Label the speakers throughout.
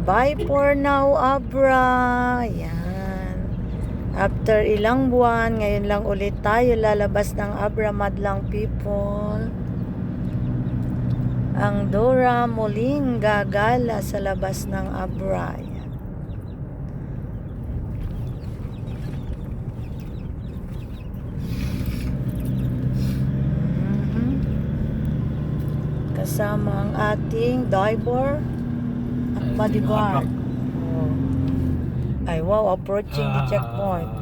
Speaker 1: bye for now, Abra. Yan. After ilang buwan, ngayon lang ulit tayo lalabas ng Abra, madlang people. Ang Dora muling gagala sa labas ng Abra. Yan. Kasama ang ating diver at bodyguard. Oh. Ay wow, approaching the checkpoint.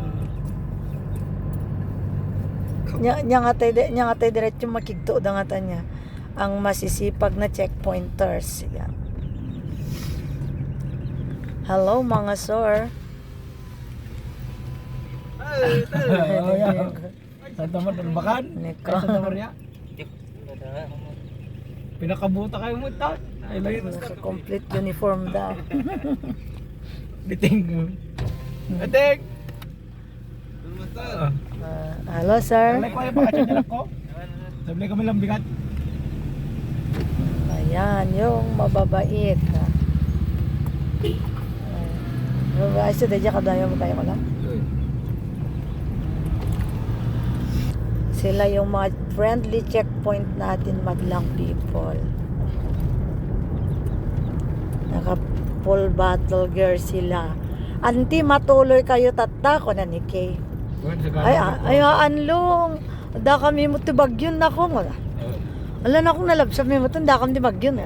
Speaker 1: Nya nga tayo diretso makigto da nga niya ang masisipag na checkpointers. Yan. Hello mga sir.
Speaker 2: Santa Maria, Santa Maria. Pinakabuta kayo mo ta. Ay
Speaker 1: Complete uniform daw.
Speaker 2: Biting. Biting.
Speaker 1: Hello sir.
Speaker 2: Sabi ko ay pakachan ko. Sabi kami lang bigat.
Speaker 1: Ayan, yung mababait. Mababait siya, dahil ka tayo ko lang. Sila yung mga friendly checkpoint natin, madlang people. Naka full battle gear sila. Anti, matuloy kayo tatta ko na ni Kay. Ay, anlong. Da kami mo tibagyon na ko. Wala na akong nalabsab may mo da kami tibagyon.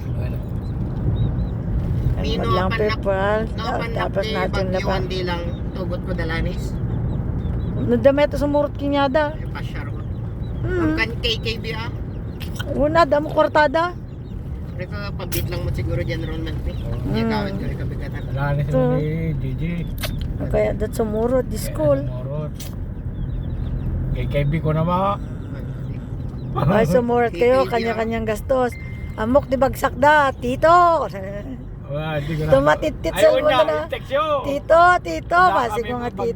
Speaker 1: Ay, madlang people. Tapos natin laban.
Speaker 3: Hindi lang tugot ko dalanis.
Speaker 1: Nadamay ito sa murot kinyada.
Speaker 3: Pasyar ko. Ang kan KKB ah.
Speaker 1: Una, damo kwartada.
Speaker 3: Rito, pabit lang mo siguro general monthly. Hindi kawin ko rin kabigatan.
Speaker 2: Wala na
Speaker 1: Ito.
Speaker 2: si JJ.
Speaker 1: Kaya dat sa murot, di school.
Speaker 2: KKB ko na ba?
Speaker 1: Ay, sumurot kayo, kanya-kanyang gastos. Amok di bagsak da, tito.
Speaker 2: Wala, hindi ko na.
Speaker 1: Tumatitit sa
Speaker 2: Ayun
Speaker 1: wala na.
Speaker 2: text yun.
Speaker 1: Tito,
Speaker 2: Wala
Speaker 1: basi
Speaker 2: kami
Speaker 1: ko nga
Speaker 2: magbagyo